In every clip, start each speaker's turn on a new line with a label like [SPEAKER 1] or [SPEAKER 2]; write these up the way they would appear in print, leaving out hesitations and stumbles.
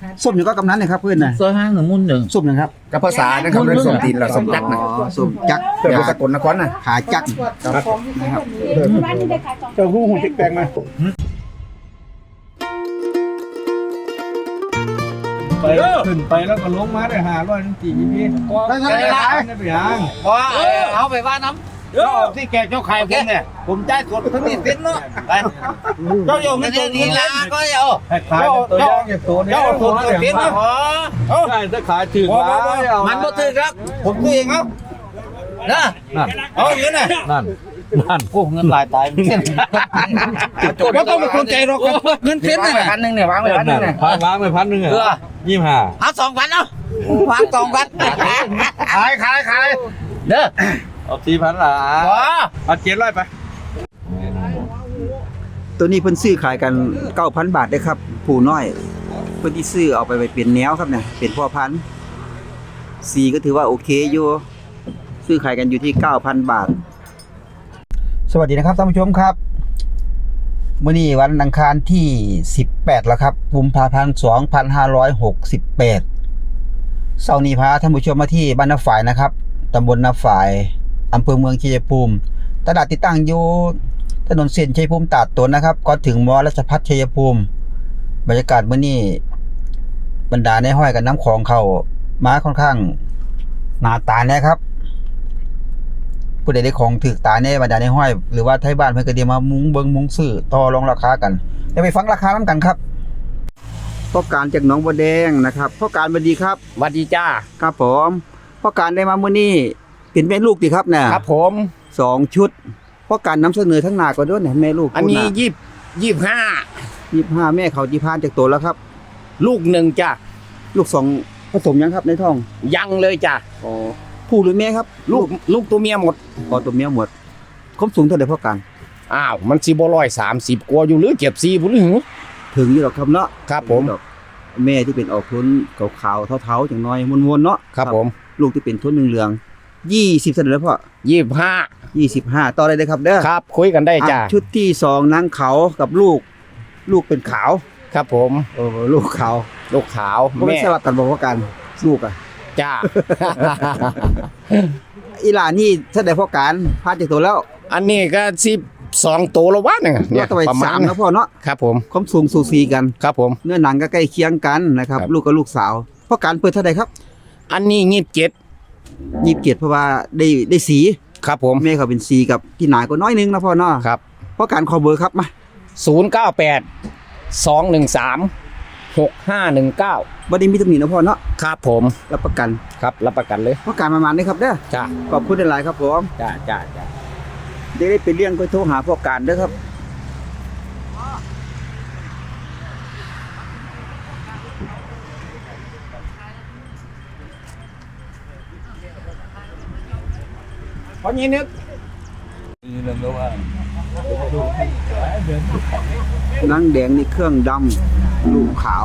[SPEAKER 1] ส้มอยู่ก็กำนันนะครับเพื่อนนะ
[SPEAKER 2] ซอยห้างหนึ่งมุ่นหนึ่ง
[SPEAKER 1] ส้มนะครับ
[SPEAKER 3] กับภาษานะครับเรื่องสมตีนเราสมจักรนะ
[SPEAKER 1] ส้มจัก
[SPEAKER 3] เพื่อนสกลนครนะ
[SPEAKER 1] ขาจักนะครับ
[SPEAKER 4] เจ้าหู้หูติ๊กแปลงมาไปขึ้นไปแล้วก็ลงมาได้500นั่นกี่พี่ได้เท่าไหร่ได้ไปยัง
[SPEAKER 2] พอเอาไปว่าน้ำ
[SPEAKER 4] ก็ที่แกเจ้าไข่ผมเนี่ยผมจ่ายสดทั้งนี้สิ้นเนาะเจ้าโยม
[SPEAKER 2] ไม่
[SPEAKER 4] ไม่
[SPEAKER 2] ได้
[SPEAKER 4] ตัว
[SPEAKER 2] ดี
[SPEAKER 4] นี้
[SPEAKER 2] ละก็เอา
[SPEAKER 4] ให้ขายตัวย่างอย่างตัวนี้
[SPEAKER 2] เจ้าถูกเสียนะพอ
[SPEAKER 4] ใช่ถ้าขายถึง
[SPEAKER 2] มันบ่ถือครับผมตัวเองเอานะเอาเงินน่ะ
[SPEAKER 4] นั่น
[SPEAKER 2] โอ้เงินหลายตายเส้น
[SPEAKER 4] ก็ต้องเป็นคนใจเราครับ
[SPEAKER 2] เงินเส้น
[SPEAKER 3] วางไว้
[SPEAKER 2] น่ะ
[SPEAKER 3] 1,000เนี่ยวางไว้1,000เนี่ย
[SPEAKER 4] วางไป1,000อ่ะ25
[SPEAKER 2] เอา2,000เอาวาง2,000
[SPEAKER 3] ขาย
[SPEAKER 2] เด้อ
[SPEAKER 4] เอา4,000ล่ะ
[SPEAKER 2] พอ
[SPEAKER 4] เอา700ไป
[SPEAKER 1] ตัวนี้เพิ่นซื้อขายกัน 9,000 บาทได้ครับผู้น้อยเพิ่นที่ซื้อเอาไปเปลี่ยนแนวครับเนี่ยเป็นพ่อพันธุ์สีก็ถือว่าโอเคอยู่ซื้อขายกันอยู่ที่ 9,000 บาท สวัสดีนะครับท่านผู้ชมครับมื้อนี้วันอังคารที่18แล้วครับกุมภาพันธ์2568เช้านี้พาท่านผู้ชมมาที่บ้านนาฝายนะครับตำบลนาฝายอำเภอเมืองชัยภูมิตลาดที่ตั้งอยู่ถนนเส้นชัยภูมิตาดตนนะครับก่อนถึงมอราชภัฏชัยภูมิบรรยากาศมื้อนี้บรรดาในห้อยกับน้ำของเขามาค่อนข้างหนาตาแน่ครับผู้ใดได้ของถือตาแน่บรรดาในห้อยหรือว่าไทยบ้านเพิ่นก็ได้มามุงเบิงมุงซื้อต่อรองราคากันเดี๋ยวไปฟังราคานำกันครับพ่อการจากหนองบัวแดงนะครับพ่อการสวัสดีครับ
[SPEAKER 3] วัดดีจ้า
[SPEAKER 1] ครับผมพ่อการได้มามื้อนี้เป็นแม่ลูกติครับเนี่ย
[SPEAKER 3] ครับผม
[SPEAKER 1] 2 ชุดพ่อการนำเสนอทั้งหน้าก่อนด้วยเนี่ยแม่ลูก
[SPEAKER 3] อันนี้
[SPEAKER 1] 25แม่เขาที่พานจากตัวแล้วครับ
[SPEAKER 3] 25ลูกหนึ่งจ้า
[SPEAKER 1] ลูก2ผสมยังครับในท้อง
[SPEAKER 3] ยังเลยจ้า
[SPEAKER 1] อ๋อผู้หรือแม่ครับ
[SPEAKER 3] ลูกตัวเมียหมด
[SPEAKER 1] อ๋อตัวเมียหมดความสูงเท่าใดพ่อการ
[SPEAKER 3] อ้าวมันสิบ่130กว่าอยู่หรือ74บ่หรือ
[SPEAKER 1] ถึงอยู่หรอกครับเนาะ
[SPEAKER 3] ครับผม
[SPEAKER 1] ดอกแม่ที่เป็นออกทุนขาวๆเทาๆจังน้อยมวนๆเนาะ
[SPEAKER 3] ครับผม
[SPEAKER 1] ลูกที่เป็นทุนเหลืองๆ20เท่าไหร่แล้วพ่อ
[SPEAKER 3] 25
[SPEAKER 1] 25ต่อได้เลยครับเด้อ
[SPEAKER 3] ครับคุยกันได้จ้า
[SPEAKER 1] อ่ะชุดที่2นางเขากับลูกเป็นขาว
[SPEAKER 3] ครับผม
[SPEAKER 1] โอ้ลูกขาว
[SPEAKER 3] ลูกขาว
[SPEAKER 1] ก็ไม่สลับกันบอกว่ากันลูกอ่ะ
[SPEAKER 3] จ้า
[SPEAKER 1] อีหลานนี่แสดงพ่อการพาจากตัวแล้ว
[SPEAKER 3] อันนี้ก็12ตัวแล้ววะเนี่ย
[SPEAKER 1] ก็ต่อไป
[SPEAKER 3] ประมาณ
[SPEAKER 1] 3นะพ่อเนาะ
[SPEAKER 3] ครับผม
[SPEAKER 1] ความสูงสูสีกัน
[SPEAKER 3] ครับผม
[SPEAKER 1] เนื้อหนังก็ใกล้เคียงกันนะครับ
[SPEAKER 3] ครับ
[SPEAKER 1] ลูกกับลูกสาวพ่อการเปิดเท่าไหร่ครับ
[SPEAKER 3] อันนี้27
[SPEAKER 1] 27เพราะว่าได้สี
[SPEAKER 3] ครับผม
[SPEAKER 1] แม่เขาเป็นสีกับที่หนาก็น้อยนึงนะพ่อเนาะ
[SPEAKER 3] ครับ
[SPEAKER 1] พ่อการขอเบอร์ครับมา
[SPEAKER 3] 098 213 6519
[SPEAKER 1] บ่ได้มีตำหนินะพ่อเนาะ
[SPEAKER 3] ครับผม
[SPEAKER 1] รับประกัน
[SPEAKER 3] ครับรับประกันเลย
[SPEAKER 1] พ่อการประมาณนี้ครับเด้อ
[SPEAKER 3] จ้า
[SPEAKER 1] ขอบคุณหลายๆครับผม
[SPEAKER 3] จ้าจ้า
[SPEAKER 1] เดี๋ยวได้ไปเลี้ยงก็โทรหาพ่อการเด้อครับ
[SPEAKER 3] เพราะงี้นึก
[SPEAKER 1] นางแดงนี่เครื่องดำลูกขาว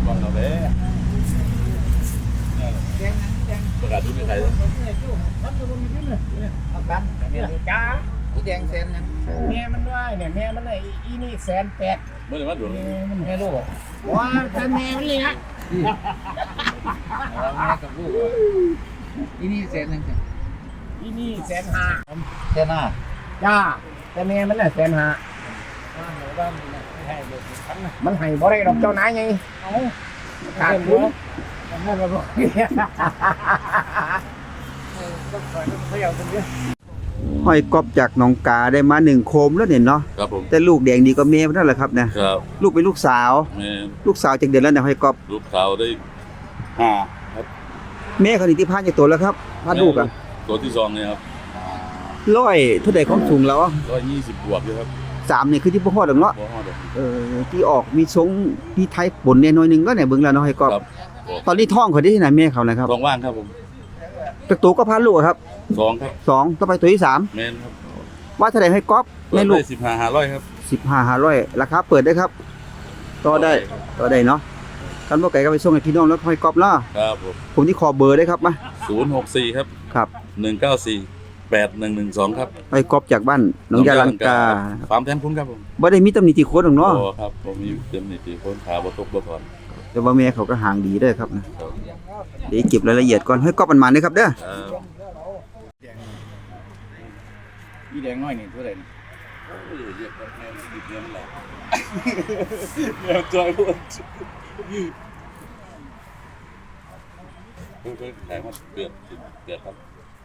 [SPEAKER 3] จ้า
[SPEAKER 2] ผู้แดงเส้นนะ
[SPEAKER 3] แม่มันว่าเนี่ยแม่มันไอ้อีนี่180,000
[SPEAKER 5] ไม่ได้มาดูเลย
[SPEAKER 3] มันแม่ลูกว่าแต่แม่มันเลยนะ
[SPEAKER 2] แม่กับลูกที่นี่เส้นนึง
[SPEAKER 3] อีนี่150,000
[SPEAKER 2] เส้นหน้า
[SPEAKER 3] จ้าแต่แม่มันน่ะ150,000มันให้บ่ได้ดอกเจ้านายไงขาดทุน
[SPEAKER 1] ห้อยกอบจากหนองกาได้มา1โคมแล้วเนี่ยเนาะ
[SPEAKER 5] ครับผม
[SPEAKER 1] แต่ลูกแดงดีก็แม่นั่นแหละครับเนี่ย
[SPEAKER 5] ครับ
[SPEAKER 1] ลูกเป็นลูกสาว
[SPEAKER 5] แม่
[SPEAKER 1] ลูกสาวจากเดือนแล้วเนี่ยห้อยกอบ
[SPEAKER 5] ลูกขาวได้ห้าครับ
[SPEAKER 1] แม่เขานี่ที่พานจากตัวแล้วครับพานลูกอ่ะ
[SPEAKER 5] ตัวที่2เนี่ยครับ
[SPEAKER 1] ร้อยเท่าใดของสูงแล้ว
[SPEAKER 5] 120บวกอยู่ครับ
[SPEAKER 1] 3นี่คือที่บ่ฮอดดอกเนาะ
[SPEAKER 5] บ่ฮอดดอก
[SPEAKER 1] ที่ออกมีทรงมีไทยปนเนี่ยหน่อยหนึงก็เนี่ยเบิ่งแล้วเนาะห้อยกอบ
[SPEAKER 5] ครับ
[SPEAKER 1] ตอนนี้ท้องเขาได้ที่ไหนแม่เขานะครับ
[SPEAKER 5] ท้องว่างครับผม
[SPEAKER 1] ตัวโตก็พานลูกอะครับ
[SPEAKER 5] 2ครับ
[SPEAKER 1] 2ต่อไปตัวที่3
[SPEAKER 5] แม่นครับ
[SPEAKER 1] ว่าเท่าใดห้อยกอบ
[SPEAKER 5] เปิ
[SPEAKER 1] แม่
[SPEAKER 5] ด
[SPEAKER 1] ลู
[SPEAKER 5] ได้
[SPEAKER 1] ก
[SPEAKER 5] 15,500ครับ
[SPEAKER 1] 15,500ราคาเปิดได้ครับต่อได้เนาะกันบ่ไก่ก็ไปส่งให้พี่น้องแล้วห้อยกอบเนาะ
[SPEAKER 5] ครับผม
[SPEAKER 1] ผมที่ขอเบอร์ได้ครับมา
[SPEAKER 5] 064ครับ
[SPEAKER 1] ครับ
[SPEAKER 5] 194 8112ครับ
[SPEAKER 1] ห้อยกอบจากบ้านหนองยาลังกา
[SPEAKER 5] ฟาร์มแทนคุณครับผม
[SPEAKER 1] บ่ได้มีตำหนิติโคตรหรอกเนาะ
[SPEAKER 5] โอ้ครับผมมีเต็มนิติคนขาบ่ตกบ่ถอน
[SPEAKER 1] แแต่ว่าแม่เขาก็ห่างดีเด้อครับนะเดี๋ยวเก็บรายละเอียดก่อนให้ก๊อบมันๆเด้อครับเด้อ
[SPEAKER 3] อีแดงน้อยนี่เท่าไหร่
[SPEAKER 5] เรียกว่าแม่ดิบเงินแหละเดี๋ยวจอยพูดเพิ่งขายมาเดือดครับ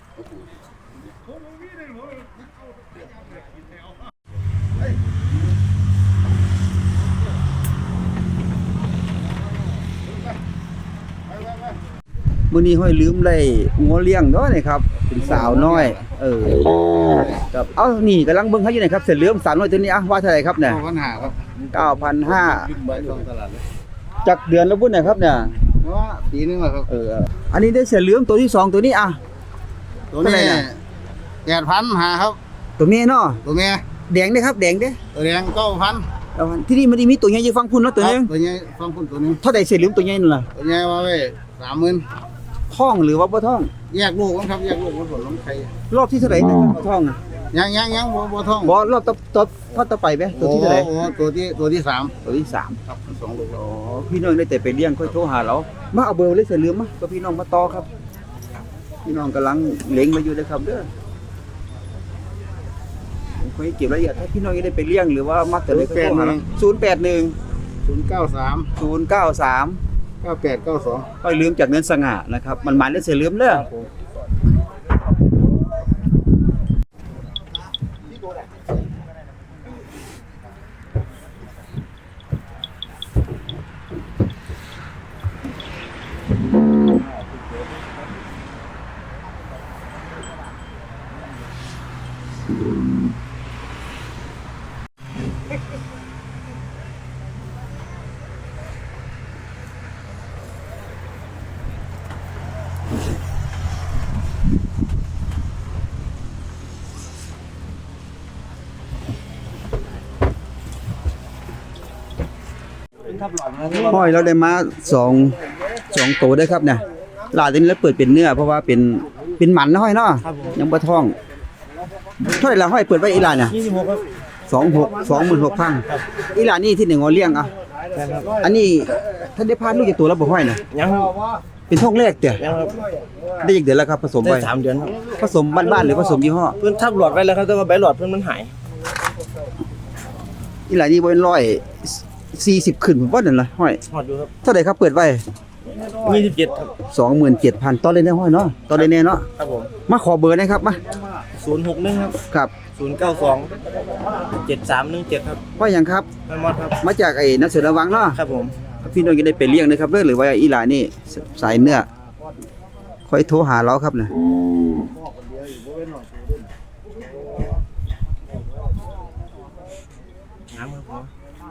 [SPEAKER 1] มื้อนี้ห้อยลืมได้งัวเลี้ยงเนาะนี่ครับเป็นสาวน้อยครับเอ้านี่กำลังเบิ่งเขาอยู่นี่ครับเสร็จเหลือมสาวน้อยตัวนี้อ่ะว่าเท่าไหร่ครับเนี่ย
[SPEAKER 3] ปัญหาครับ
[SPEAKER 1] 9,500
[SPEAKER 3] ใบตรงตลาดเลย
[SPEAKER 1] จักเดือนแล้วพุ่นน่ะครับเนี่ย
[SPEAKER 3] เพราะว่าปีนึงแล้วครับ
[SPEAKER 1] อันนี้ได้เสร็จเหลือมตัวที่สองตัวนี้อ่ะ
[SPEAKER 3] ตัว
[SPEAKER 1] เท่าไหร่
[SPEAKER 3] นี้
[SPEAKER 1] น่ะ
[SPEAKER 3] 8,000หาครับ
[SPEAKER 1] ตัวเมียเนาะ
[SPEAKER 3] ตัวเมีย
[SPEAKER 1] แดงเด้อครับแดงเด้อ
[SPEAKER 3] ตัวแดง9,000
[SPEAKER 1] เอาที่นี่มันได้มีตัวใหญ่อยู่ฟังพุ่นเนาะตัวนึง
[SPEAKER 3] ตัวใหญ่ฟังพุ่นตัวนึง
[SPEAKER 1] เท่าใดเสร็จเหลือมตัวใหญ่นั่นล่ะ
[SPEAKER 3] ตัวใหญ่ว่าไว้30,000
[SPEAKER 1] ท้องหรือว่าบ่ท้อง
[SPEAKER 3] แยกลูกกันครับแยกลูกมันผลลงไข่
[SPEAKER 1] รอบที่เท่าไหร่เนี่ยบ่ท้องอ่ะ
[SPEAKER 3] ยังบ่ท้อง
[SPEAKER 1] บ่รอบต่อไปไหมตัวที่เท่าไหร่
[SPEAKER 3] โอ้ตัวที่3
[SPEAKER 1] ตัวที่สาม
[SPEAKER 3] ครับ2ลูก
[SPEAKER 1] อ๋อพี่น้องได้แต่ไปเลี้ยงค่อยโทรหาเรามาเอาเบอร์เลยเสร็จเหลือมมาก็พี่น้องมาต่อครับ พี่น้องกำลังเล็งมาอยู่นะครับเด้อผมเคยเก็บรายละเอียดถ้าพี่น้องยังได้ไปเลี้ยงหรือว่ามักจะเลยก็โทรหาเรา081
[SPEAKER 3] 093
[SPEAKER 1] 093
[SPEAKER 3] 9892
[SPEAKER 1] ค่อยลืมจากเนินสง่านะครับมันได้เสร็จเหลือมเด้อ ห้อยเราได้มาสองตัวได้ครับเนี่ยหลาดตัวนี้แล้วเปิดเป็นเนื้อเพราะว่าเป็นหมันนะห้อยเนาะยังบ่ท้องเท่าไหร่ละห้อยเปิดไว้อีหลานเนี่ย26ครับ26,000อีหลานนี่ที่1งอเลี้ยงอ่ะอันนี้ท่านได้พาลูกจากตัวแล้วบ่ห้อยน่ะ
[SPEAKER 2] ยังครับ
[SPEAKER 1] เป็นท้องแรกเด้อ
[SPEAKER 2] ยังครับ
[SPEAKER 1] ได้อีกเดือนแล้วครับผสม
[SPEAKER 2] ได้
[SPEAKER 1] ไป
[SPEAKER 2] 3 เดือนครับ
[SPEAKER 1] ผสมบ้านๆหรือผสมยี่ห้อ
[SPEAKER 2] เพิ่นทับหลอดไว้แล้วครับแต่ว่าใบหลอดเพิ่นมันหาย
[SPEAKER 1] อีหลานนี่บ่เป็น140ขึ้นผมว่านั่นล่ะห้อย
[SPEAKER 2] หอดอยู่ครับ
[SPEAKER 1] เท่าใดครับเปิดไว้
[SPEAKER 2] 27ครับ
[SPEAKER 1] 27,000ต่อเลยได้ห้อยเนาะต่อเลยแน่เนาะ
[SPEAKER 2] ครับผม
[SPEAKER 1] มาขอเบอร์หนะครับมา
[SPEAKER 2] 061ครับ
[SPEAKER 1] ครับ
[SPEAKER 2] 092 7317ครับ
[SPEAKER 1] ว่าหยังครับ
[SPEAKER 2] แม่มอดครับ
[SPEAKER 1] มาจากไอ้นักเสือระวังเนาะ
[SPEAKER 2] ครับผม
[SPEAKER 1] พี่น้องจะได้ไปเลี้ยงนะครับเด้อหรือว่าอีหลานี่สายเนื้อค่อยโทรหาเราครับนะ
[SPEAKER 2] น้ำครับผม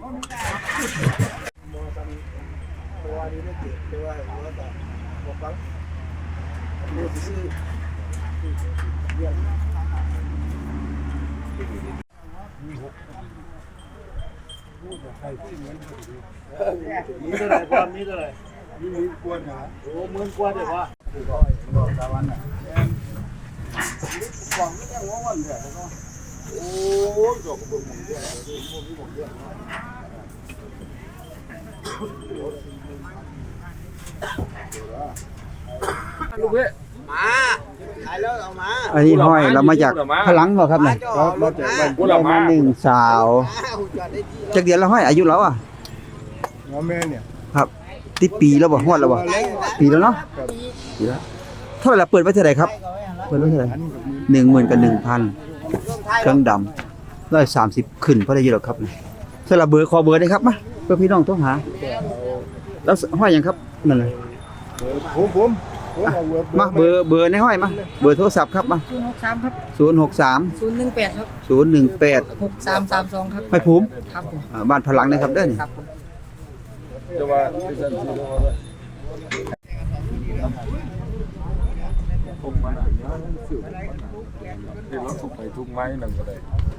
[SPEAKER 1] อันนี้ห้อยเรามาจากพลังบ่ครับเนี่ย
[SPEAKER 3] มาจากบ้าน
[SPEAKER 1] เรามาหนึ่งสาวจากเดือนละห้อยอายุเราอ่ะ
[SPEAKER 3] หัวแม่เนี่ย
[SPEAKER 1] ครับติดปีแล้วบ่ฮอดแล้วบ่ปีแล้วเนาะปีแล้วเท่าไหร่ล่ะเปิดไว้เท่าไหร่ครับเปิดไว้เท่าไหร่10,000กับ1,000เครื่องดำ130ขึ้นพอได้อยู่หรอกครับสลับเบอร์ขอเบอร์ได้ครับมาเพื่อพี่น้องโทรหาแล้วห้อยหยังครับนั่นเลย
[SPEAKER 3] ผมเอาเวิร์ด
[SPEAKER 1] มาเบอร์ในห้อยมาเบอร์โทรศัพท์ครับมา
[SPEAKER 6] 063ครับ
[SPEAKER 1] 063
[SPEAKER 6] 018ครับ
[SPEAKER 1] 018
[SPEAKER 6] 6332ครับ
[SPEAKER 1] ห้อยภูมิ
[SPEAKER 6] ครับผม
[SPEAKER 1] บ้านพลังนะครับเด้อนี่
[SPEAKER 6] ครับผม
[SPEAKER 4] จะว่าเป็นสันสีแล้วว่าทุกมันเดี๋ยวเราทุกไปทุกไม้นั่นก็ได้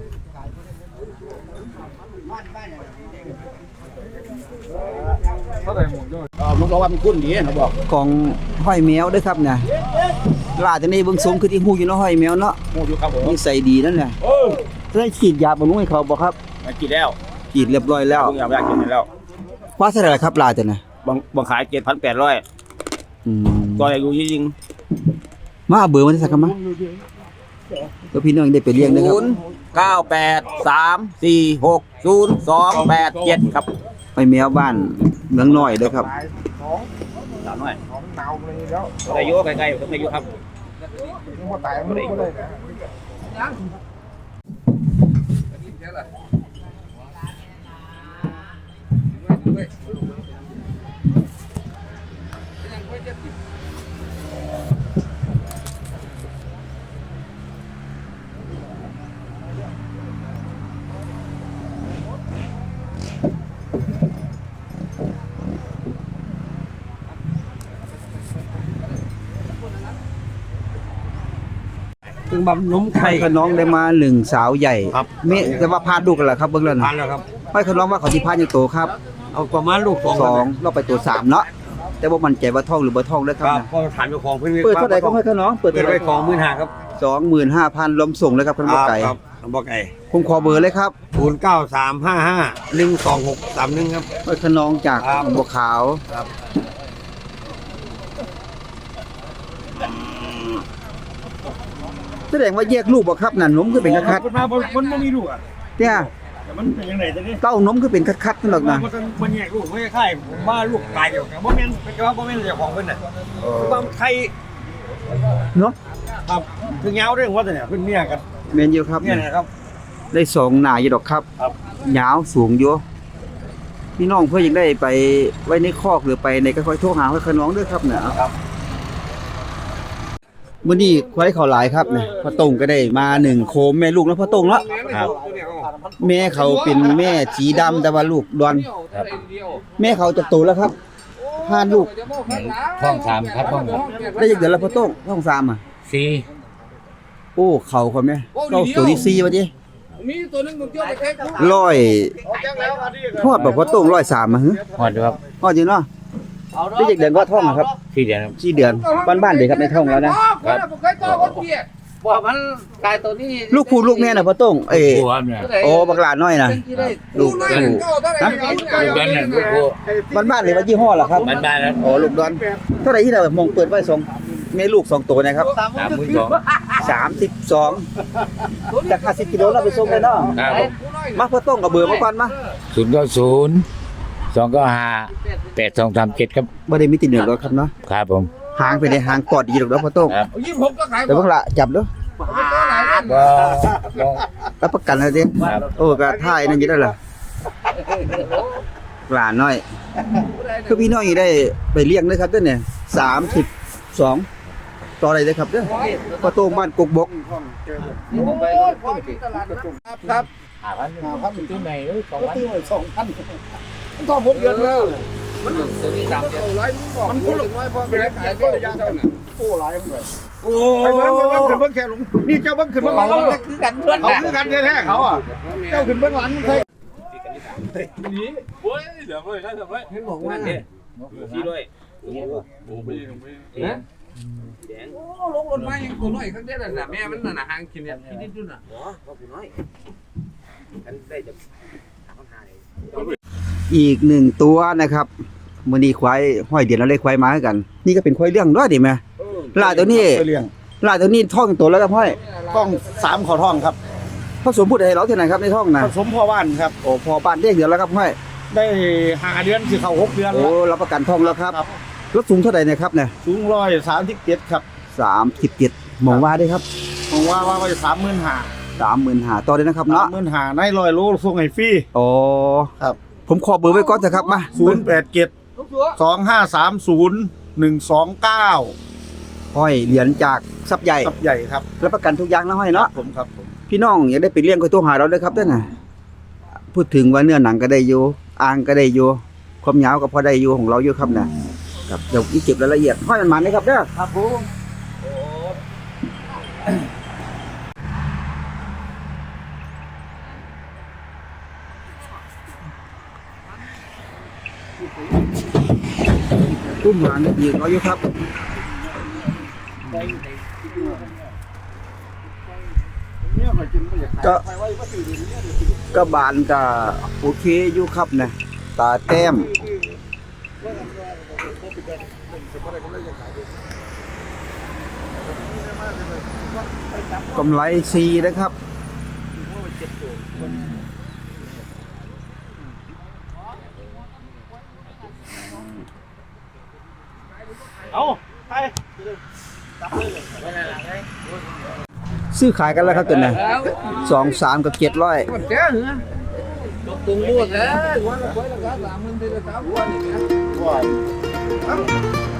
[SPEAKER 4] เท่าไหร่หมดด้วย
[SPEAKER 3] ลูกเราว่าเป็นกุ้นดีนะบอก
[SPEAKER 1] ของห้อยแมวเด้อครับเนี่ยลาดจังนี้เบิ่งสมคือที่ฮู้อยู่เนาะห้อยแมวเนาะ
[SPEAKER 3] โอ้อยู่ครับผม
[SPEAKER 1] นิสัยดีนั่นแหละได้ฉีดยาบำรุงให้เขาบ่ครับ
[SPEAKER 3] มากินแล้ว
[SPEAKER 1] ฉีดเรียบร้อยแล้ว
[SPEAKER 3] ลุงอยากกินแล้ว
[SPEAKER 1] ว่าเท่าไหร่ล่ะครับลาดจังน่ะ
[SPEAKER 3] บางขาย7,800
[SPEAKER 1] อืม
[SPEAKER 3] ก็อายุยิง
[SPEAKER 1] มาเอาเบอร์มาสักคำมาเพื่อพี่น้องได้ไปเลี้ยงนะครับ
[SPEAKER 3] 0983460287ครับ
[SPEAKER 1] ไปแมวบ้านเมืองน้อยเด้อครับ
[SPEAKER 3] สาวน้อยของหนาวเลยแล้วอายุใกล้ๆต้องอายุครับนี่พอตายมันก็เลยนะ
[SPEAKER 4] ถึงบำนม
[SPEAKER 1] ไข่ขน้องได้มาหนึ่งสาวใหญ่
[SPEAKER 4] ครับ
[SPEAKER 1] เมแต่ว่าพาดลูกกันล่ะครับเบิ่งแล้ว
[SPEAKER 4] พั
[SPEAKER 1] นะ
[SPEAKER 4] นแล้วครับ
[SPEAKER 1] ไข่ขน้องว่าเขาสิพาดอยู่โตครับ
[SPEAKER 4] เอาประมาณลูก
[SPEAKER 1] สองเราไปตัว3เนาะแต่ว่ามั่นใจว่าท้องหรือบ่ท้องเด้อค
[SPEAKER 4] ค
[SPEAKER 1] รั
[SPEAKER 4] รั
[SPEAKER 1] บบ นะ
[SPEAKER 4] พอถามเจ้าของเพิ่น
[SPEAKER 1] เปิดเท่าไหร่ครับไข่ขน้องเปิด
[SPEAKER 4] เปิด
[SPEAKER 1] เท่าไห
[SPEAKER 4] ไว้
[SPEAKER 1] ร่
[SPEAKER 4] 25,000ครับ
[SPEAKER 1] 25,000รวมส่งเลยครับคุณบ่ไก่
[SPEAKER 4] ครับบ่ไก่
[SPEAKER 1] ผมขอเบอร์เลยครับ
[SPEAKER 4] 0935512631ครับ
[SPEAKER 1] ไข่ขน้องจาก
[SPEAKER 4] ครับ
[SPEAKER 1] บัวขาว
[SPEAKER 4] ครับ
[SPEAKER 1] แสดงว่าแยกลูกบ่ครับนั่นนมคือเป็นคัด
[SPEAKER 4] มันมามันบ่มีลูกอ่ะ
[SPEAKER 1] ๆเนี่ย
[SPEAKER 4] แต่มันเป็นจังได๋จังนี้
[SPEAKER 1] เต้านมคือเป็นคัดๆนั่นหรอกนะ
[SPEAKER 4] มันแยกลูกไม่คล้ายผมว่าลูกตายเดียวกันบ่แม่นเป็นว่าบ่แม่นเจ้าของเพิ่นน่ะคือว่าไทย
[SPEAKER 1] เนาะ
[SPEAKER 4] ครับคือเหงาเรื่องว่าแต่เนี่ยเพิ่นเมียกัน
[SPEAKER 1] แม่นอยู่ครับ
[SPEAKER 4] เนี่ยนะครับ
[SPEAKER 1] ได้สองหน้าอยู่ดอกครับ
[SPEAKER 4] ครับ
[SPEAKER 1] ยาวสูงอยู่พี่น้องเพื่อยังได้ไปไว้ในคอกหรือไปในก็ค่อยโทรหาค่อยน้องด้วยครับเนี่ย
[SPEAKER 4] ครับ
[SPEAKER 1] มื้อนี้ควายเขาหลายครับเนี่ยพ่อตงก็ได้มา1โคมแม่ลูกแล้วพ่อตงเนาะ
[SPEAKER 3] ครับ
[SPEAKER 1] แม่เขาเป็นแม่สีดำแต่ว่าลูกดอน
[SPEAKER 3] ครับ
[SPEAKER 1] แม่เขาจะโตแล้วครับพานลูก
[SPEAKER 3] ท้อง3ครับท้อง
[SPEAKER 1] ได้จักเดือนแล้วพ่อตงท้องสามอ่ะ
[SPEAKER 3] 4
[SPEAKER 1] โอ้เขาเขาแม่เข้าตัวที่4ว่าดิ
[SPEAKER 2] มีตัวนึงมันเกี่ยวไปแค่
[SPEAKER 1] ร้อยทอดแบบพ่อตง103อ่ะฮะ
[SPEAKER 3] ฮอดครับ
[SPEAKER 1] ทอดจริงเนาะได้จักเดือนก็ท้องอะครับ
[SPEAKER 3] 4เดือนครับ
[SPEAKER 1] 4เดือนบ้านๆเด็กครับในท้องแล้วนะ
[SPEAKER 2] ว่ามันกลายตัวนี้
[SPEAKER 1] ลูกผู้ลูกแม่น่ะพ่อต้งเอ้
[SPEAKER 3] ผู้ครับเนี่ย
[SPEAKER 1] โอ้บักหลานน้อยน่ะลูกผู้
[SPEAKER 3] ลูกกันเนี่ยลูกผู้
[SPEAKER 1] บ้านๆเลยว่ายี่ห้อล่ะครับ
[SPEAKER 3] บ้านๆครับ
[SPEAKER 1] โอ้ลูกดอนเท่าไหร่ที่เรามองเปิดไว้สองแม่ลูก2ตัวนะครับ 32จาก50กิโลเราไปส่งได้เนาะ
[SPEAKER 3] ครับ
[SPEAKER 1] มาพ่อต้งกับเบอร์มาก่อนมา
[SPEAKER 3] 090 295 8237ครับ
[SPEAKER 1] บ่ได้มีติดเหนือหรอกครับเนาะ
[SPEAKER 3] ครับผม
[SPEAKER 1] หางไปในหางกอดดีดอกเนาะพ่อต้ง
[SPEAKER 3] ครับ
[SPEAKER 2] 26ก็ขาย
[SPEAKER 1] แต่บักละจับเด้อ
[SPEAKER 3] บ่
[SPEAKER 1] รับประกันเลยดิโอ้ก็ท่ายนั่นอยู่ได้ล่ะหลานน้อยคือพี่น้องอยู่ได้ไปเลี้ยงเด้อครับเด้อเนี่ย32ต่ออะไรเด้อครับเด้อพ่อต้งบ้านกกบก
[SPEAKER 2] ครับ
[SPEAKER 3] 5,000ตัวไหน2,000
[SPEAKER 2] ต้อง6เดือนแล้วมันตัวนี้3เดือนมันคนละน้อยพอไปขายก็ยังเท่านั้น
[SPEAKER 3] โอ้
[SPEAKER 4] ไปเบิ่งแค่หลงนี่เจ้าเบิ่งขึ้นเบิ่งหลัง
[SPEAKER 2] คือกันเพื่อน
[SPEAKER 4] เขาคือกันแท้ๆเขาอ่ะเจ้าขึ้นเบิ่งหลังเคย
[SPEAKER 5] โอ้ยเดี๋ยวเลยครับเดี๋ยวเลย
[SPEAKER 2] บอกว่า
[SPEAKER 3] 4ด้วย
[SPEAKER 5] โอ้ไม่
[SPEAKER 2] ลงรถมายังตัวน้อยข้างเดียวน่ะแม่มันน่ะหางกินเนี่ยกินนิดๆน่ะ
[SPEAKER 1] อีก1ตัวนะครับมื้อนี้ควายห้อยเดือนแล้วเลยควายมาคือกัน นี่ก็เป็นควายเลี้ยงด้วยดิแม่ลาตัวนี้
[SPEAKER 4] เลี้ยง
[SPEAKER 1] ลาตัวนี้ท้องตัวแล้วครับห้อย
[SPEAKER 4] ต้อง3ขอท้องครับ
[SPEAKER 1] ผสมพูดให้เราเท่าไหร่ครับในท้องน่ะ
[SPEAKER 4] ผสมพ่อบ้านครับ
[SPEAKER 1] โอ้พอบ้านเรียกเดือนแล้วครับห้อย
[SPEAKER 4] ได้5เดือนสิเข้า6เดือน
[SPEAKER 1] โอ้
[SPEAKER 4] แล้ว
[SPEAKER 1] รับประกันท้องแล้วครับ
[SPEAKER 4] ครับ
[SPEAKER 1] รถสูงเท่าไหร่เนะครับเนี่ย
[SPEAKER 4] สูง137ครับ
[SPEAKER 1] 37มองว่าได้ครับ
[SPEAKER 4] ผมว่าไว้
[SPEAKER 1] 35,000ต่อได้นะครับเนาะ
[SPEAKER 4] 35,000ใน100โลส่งให้ฟรี
[SPEAKER 1] โอ้
[SPEAKER 4] ครับ
[SPEAKER 1] ผมขอเบอร์ไว้ก่อนเถอะครับมา
[SPEAKER 4] 0872501129
[SPEAKER 1] ห้อยเหรียญจากทรัพย์ใหญ่
[SPEAKER 4] ครับใหญ่ครับ
[SPEAKER 1] รับประกันทุกอย่างนะห้อยเนาะ
[SPEAKER 4] ผมครับผม
[SPEAKER 1] พี่น้องอยากได้ไปเลี้ยงก็โทรหาเราเด้อครับเด้อน่ะพูดถึงว่าเนื้อหนังก็ได้อยู่อ่างก็ได้อยู่ความยาวก็พอได้อยู่ของเราอยู่ครับนะครับเดี๋ยวอีเก็บรายละเอียดห้อยมันนะครับเด้อครับผมตุ้มหางยืนเราอยู่ครับก็บานก็โอเคอยู่ครับนะตาแต้มกำไรซีนะครับ
[SPEAKER 3] เอาไป
[SPEAKER 1] ซื้อขายกันแล้วครับตัวนี้23กับ700
[SPEAKER 2] ตกตรงรูดแล้ววันละคนละ30,000 ทีละ3วันอย่างเงี้ย